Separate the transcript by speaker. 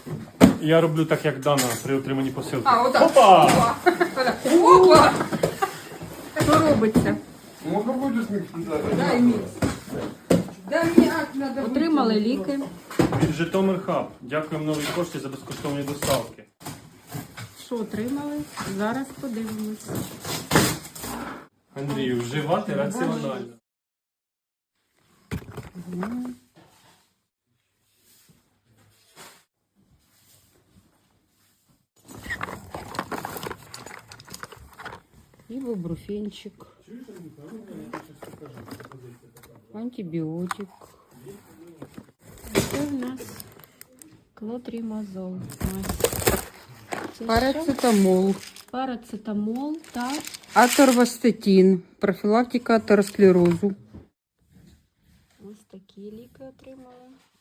Speaker 1: Я роблю так, як Дана при отриманні посилки.
Speaker 2: А, отак.
Speaker 1: Опа!
Speaker 2: Опа! Що робиться?
Speaker 3: Можно будет смягчить?
Speaker 2: Дай мені. Дай мені акт надо.
Speaker 4: Отримали ліки.
Speaker 1: Від Житомир Хаб. Дякуємо новій пошті за безкоштовні доставки.
Speaker 4: Що отримали? Зараз подивимось.
Speaker 1: Андрію, вживати раціонально.
Speaker 4: Ібупрофенчик. Антибіотик. Це в нас клотрімазол.
Speaker 2: Парацетамол.
Speaker 4: Парацетамол та
Speaker 2: Аторвастатин. Профілактика атеросклерозу.
Speaker 4: ось такі ліки отримали.